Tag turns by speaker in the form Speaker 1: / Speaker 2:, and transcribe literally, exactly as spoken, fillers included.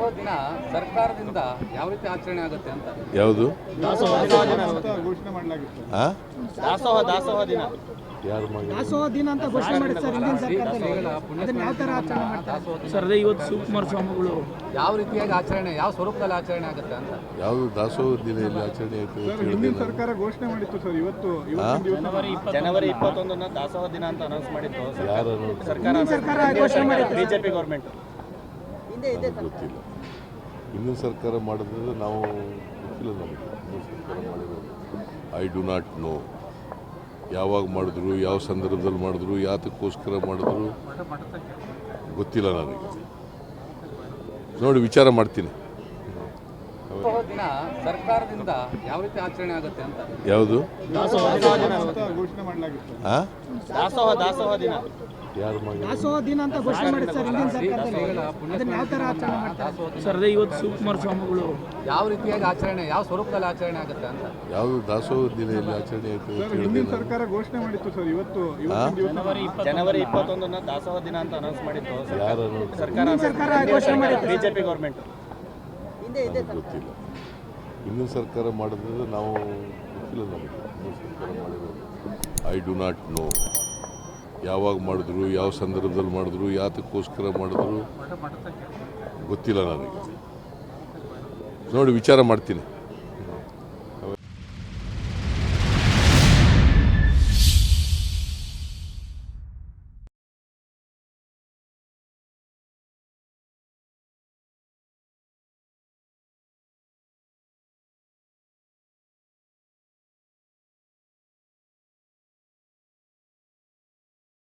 Speaker 1: ದಿನ ಸರ್ಕಾರದಿಂದ ಯಾವ ರೀತಿ ಆಚರಣೆ ಆಗುತ್ತೆ ಅಂತ
Speaker 2: ಯಾವುದು
Speaker 3: ಘೋಷಣೆ ಮಾಡಲಾಗಿತ್ತು.
Speaker 4: ದಾಸೋಹ ದಾಸೋಹ ದಿನ
Speaker 2: ಯಾರು ಮಾಡಿ
Speaker 5: ದಾಸೋಹ ದಿನ ಅಂತ ಘೋಷಣೆ ಮಾಡಿದ್ರು ಸರ್ ಹಿಂದಿನ ಸರ್ಕಾರದಲ್ಲಿ. ಅದನ್ನ ಯಾವ ಥರ ಆಚರಣೆ ಮಾಡ್ತಾರೆ
Speaker 6: ಸರ್? ಅದೇ ಇವತ್ತು ಶಿವಕುಮಾರ ಸ್ವಾಮಿಗಳು
Speaker 1: ಯಾವ ರೀತಿಯಾಗಿ ಆಚರಣೆ, ಯಾವ ಸ್ವರೂಪದಲ್ಲಿ ಆಚರಣೆ ಆಗುತ್ತೆ ಅಂತ
Speaker 2: ಯಾವುದು ದಾಸೋಹ ದಿನ ಇಲ್ಲಿ ಆಚರಣೆ ಆಯಿತು
Speaker 3: ಸರ್ ಹಿಂದಿನ ಸರ್ಕಾರ ಘೋಷಣೆ ಮಾಡಿತ್ತು ಸರ್. ಇವತ್ತು ಇವತ್ತಿನ ದಿವಸ
Speaker 4: ಜನವರಿ ಇಪ್ಪತ್ತೊಂದನ್ನ ದಾಸೋಹ ದಿನ ಅಂತ ಅನೌನ್ಸ್ ಮಾಡಿತ್ತು
Speaker 2: ಯಾರು
Speaker 4: ಸರ್ಕಾರ
Speaker 5: ಸರ್ಕಾರ ಘೋಷಣೆ ಮಾಡಿತ್ತು.
Speaker 4: BJP government.
Speaker 2: ಗೊತ್ತಿಲ್ಲ. ಹಿಂದಿನ ಸರ್ಕಾರ ಮಾಡಿದ್ರೆ ನಾವು ಗೊತ್ತಿಲ್ಲ ನಮಗೆ. ಹಿಂದಿನ ಸರ್ಕಾರ ಮಾಡಿರೋದು ಐ ಡು ನಾಟ್ ನೋ. ಯಾವಾಗ ಮಾಡಿದ್ರು, ಯಾವ ಸಂದರ್ಭದಲ್ಲಿ ಮಾಡಿದ್ರು, ಯಾತಕ್ಕೋಸ್ಕರ ಮಾಡಿದ್ರು ಗೊತ್ತಿಲ್ಲ ನನಗೆ. ನೋಡಿ ವಿಚಾರ ಮಾಡ್ತೀನಿ.
Speaker 1: ದಿನ ಸರ್ಕಾರದಿಂದ ಯಾವ ರೀತಿ ಆಚರಣೆ ಆಗುತ್ತೆ ಅಂತ
Speaker 2: ಯಾವುದು
Speaker 3: ಘೋಷಣೆ ಮಾಡಲಾಗಿತ್ತು.
Speaker 2: ಹಾಂ
Speaker 4: ದಾಸೋಹ ದಾಸೋಹ ದಿನ
Speaker 2: ಯಾರು ಮಾಡಿ
Speaker 5: ದಾಸೋಹ ದಿನ ಅಂತ ಘೋಷಣೆ ಮಾಡಿದ್ರು ಸರ್ ಹಿಂದಿನ ಸರ್ಕಾರದಲ್ಲಿ. ಅದನ್ನ ಯಾವ ಥರ ಆಚರಣೆ ಮಾಡ್ತಾರೆ
Speaker 6: ಸರ್? ಅದೇ ಇವತ್ತು ಶಿವಕುಮಾರ ಸ್ವಾಮಿಗಳು
Speaker 1: ಯಾವ ರೀತಿಯಾಗಿ ಆಚರಣೆ, ಯಾವ ಸ್ವರೂಪದಲ್ಲಿ ಆಚರಣೆ ಆಗುತ್ತೆ ಅಂತ
Speaker 2: ಯಾವುದು ದಾಸೋಹ ದಿನ ಇಲ್ಲಿ ಆಚರಣೆ ಆಯಿತು
Speaker 3: ಸರ್ ಹಿಂದಿನ ಸರ್ಕಾರ ಘೋಷಣೆ ಮಾಡಿತ್ತು ಸರ್. ಇವತ್ತು ಇವತ್ತಿನ ದಿವಸ
Speaker 4: ಜನವರಿ ಇಪ್ಪತ್ತೊಂದನ್ನ ದಾಸೋಹ ದಿನ ಅಂತ ಅನೌನ್ಸ್ ಮಾಡಿತ್ತು
Speaker 2: ಯಾರು
Speaker 4: ಸರ್ಕಾರ
Speaker 5: ಸರ್ಕಾರ ಘೋಷಣೆ ಮಾಡಿತ್ತು.
Speaker 4: BJP government.
Speaker 2: ಗೊತ್ತಿಲ್ಲ. ಹಿಂದಿನ ಸರ್ಕಾರ ಮಾಡಿದ್ರೆ ನಾವು ಗೊತ್ತಿಲ್ಲ ನಮಗೆ. ಹಿಂದಿನ ಸರ್ಕಾರ ಮಾಡಿರೋದು ಐ ಡು ನಾಟ್ ನೋ. ಯಾವಾಗ ಮಾಡಿದ್ರು, ಯಾವ ಸಂದರ್ಭದಲ್ಲಿ ಮಾಡಿದ್ರು, ಯಾತಕ್ಕೋಸ್ಕರ ಮಾಡಿದ್ರು ಗೊತ್ತಿಲ್ಲ ನನಗೆ. ನೋಡಿ ವಿಚಾರ ಮಾಡ್ತೀನಿ.